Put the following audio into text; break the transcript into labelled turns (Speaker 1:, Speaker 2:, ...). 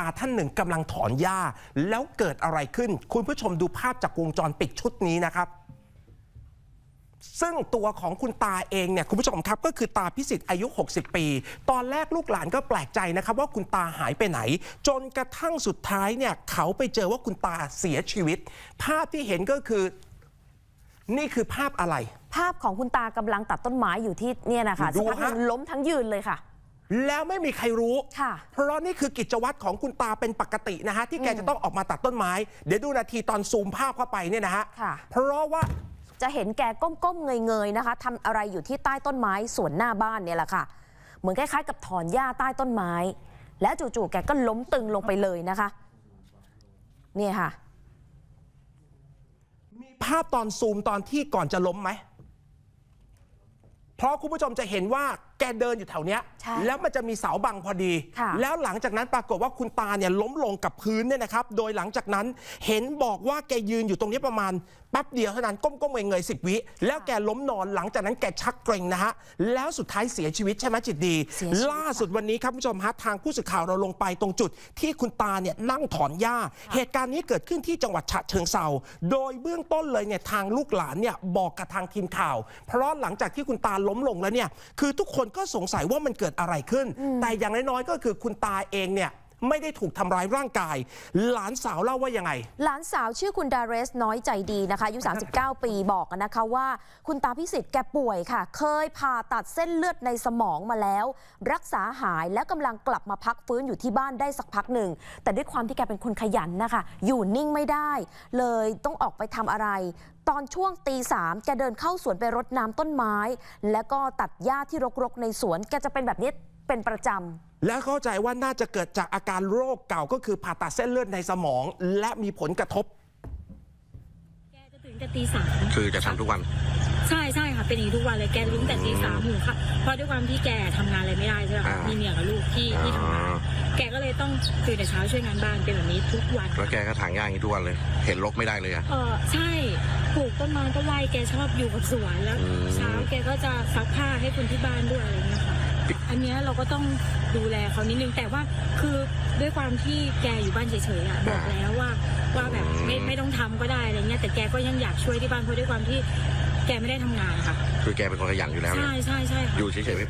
Speaker 1: ท่านหนึ่งกำลังถอนหญ้าแล้วเกิดอะไรขึ้นคุณผู้ชมดูภาพจากวงจรปิดชุดนี้นะครับซึ่งตัวของคุณตาเองเนี่ยคุณผู้ชมครับก็คือตาพิสิทธิ์อายุ60ปีตอนแรกลูกหลานก็แปลกใจนะครับว่าคุณตาหายไปไหนจนกระทั่งสุดท้ายเนี่ยเขาไปเจอว่าคุณตาเสียชีวิตภาพที่เห็นก็คือนี่คือภาพอะไร
Speaker 2: ภาพของคุณตากำลังตัดต้นไม้อยู่ที่เนี่ยนะคะสักพักนึงล้มทั้งยืนเลยค่ะ
Speaker 1: แล้วไม่มีใครรู้
Speaker 2: ค่ะ
Speaker 1: เพราะนี่คือกิจวัตรของคุณตาเป็นปกตินะฮะที่แกจะต้องออกมาตัดต้นไม้เดี๋ยวดูนาทีตอนซูมภาพเข้าไปเนี่ยนะฮะเพราะว่า
Speaker 2: จะเห็นแกก้มๆเงยๆนะคะทำอะไรอยู่ที่ใต้ต้นไม้สวนหน้าบ้านเนี่ยแหละค่ะเหมือนคล้ายๆกับถอนหญ้าใต้ต้นไม้และจู่ๆแกก็ล้มตึงลงไปเลยนะคะนี่ค่ะ
Speaker 1: มีภาพตอนซูมตอนที่ก่อนจะล้มไหมเพราะคุณผู้ชมจะเห็นว่าแกเดินอยู่แถวเนี้ยแล้วมันจะมีเสาบังพอดีแล้วหลังจากนั้นปรากฏว่าคุณตาเนี่ยล้มลงกับพื้นเนี่ยนะครับโดยหลังจากนั้นเห็นบอกว่าแกยืนอยู่ตรงนี้ประมาณแป๊บเดียวเท่านั้นก้มๆเงยๆ10 วิแล้วแกล้มนอนหลังจากนั้นแกชักเกร็งนะฮะแล้วสุดท้ายเสียชีวิตใช่ไหมจิตดีล่าสุดวันนี้ครับผู้ชมฮะทางผู้สื่อข่าวเราลงไปตรงจุดที่คุณตาเนี่ยนั่งถอนหญ้าเหตุการณ์นี้เกิดขึ้นที่จังหวัดฉะเชิงเทราโดยเบื้องต้นเลยเนี่ยทางลูกหลานเนี่ยบอกกับทางทีมข่าวเพราะหลังจากที่คุณตาล้มลงแล้วเนี่ยคือทุกคนก็สงสัยว่ามันเกิดอะไรขึ้นแต่อย่างน้อยๆก็คือคุณตาเองเนี่ยไม่ได้ถูกทำร้ายร่างกายหลานสาวเล่าว่ายังไง
Speaker 2: หลานสาวชื่อคุณดาเรสน้อยใจดีนะคะอายุ39 ปีบอกนะคะว่าคุณตาพิสิทธิ์แกป่วยค่ะเคยผ่าตัดเส้นเลือดในสมองมาแล้วรักษาหายและกำลังกลับมาพักฟื้นอยู่ที่บ้านได้สักพักหนึ่งแต่ด้วยความที่แกเป็นคนขยันนะคะอยู่นิ่งไม่ได้เลยต้องออกไปทำอะไรตอนช่วงตี 3แกเดินเข้าสวนไปรดน้ำต้นไม้แล้วก็ตัดหญ้าที่รกๆในสวนแกจะเป็นแบบนี้เป็นประจำ
Speaker 1: และเข้าใจว่าน่าจะเกิดจากอาการโรคเก่าก็คือผ่าตัดเส้นเลือดในสมองและมีผลกระทบ
Speaker 3: แกจะตื่นแต่ตี 3
Speaker 4: คือจะทำทุกวัน
Speaker 3: ใช่ค่ะเป็นอย่างนี้ทุกวันเลยแกตื่นแต่ตี 3หูค่ะเพราะด้วยความที่แกทำงานอะไรไม่ได้ใช่ไหมคะมีเมียกับลูกที่ทำงานแกก็เลยต้องตื่นแต่เช้าช่วยงานบ้านเป็นแบบนี้ทุกวัน
Speaker 4: แล้วแกก็ถางหญ้าอย่างนี้ทุกวันเลยเห็นรกไม่ได้เลย
Speaker 3: ใช่ปลูกต้นไม้ก็ไล่แกชอบอยู่กับสวนแล้วเช้าแกก็จะซักผ้าให้คนที่บ้านด้วยอะไรเงี้ยค่ะอันนี้เราก็ต้องดูแลเขานิดนึงแต่ว่าคือด้วยความที่แกอยู่บ้านเฉยๆบอกแล้วว่าแบบไม่ต้องทำก็ได้อะไรเงี้ยแต่แกก็ยังอยากช่วยที่บ้านเพราะด้วยความที่แกไม่ได้ทำงานค่ะ
Speaker 4: คือแกเป็นคนขยันอยู่แล้ว
Speaker 3: ใช่ค่ะ
Speaker 4: อยู่เฉยๆ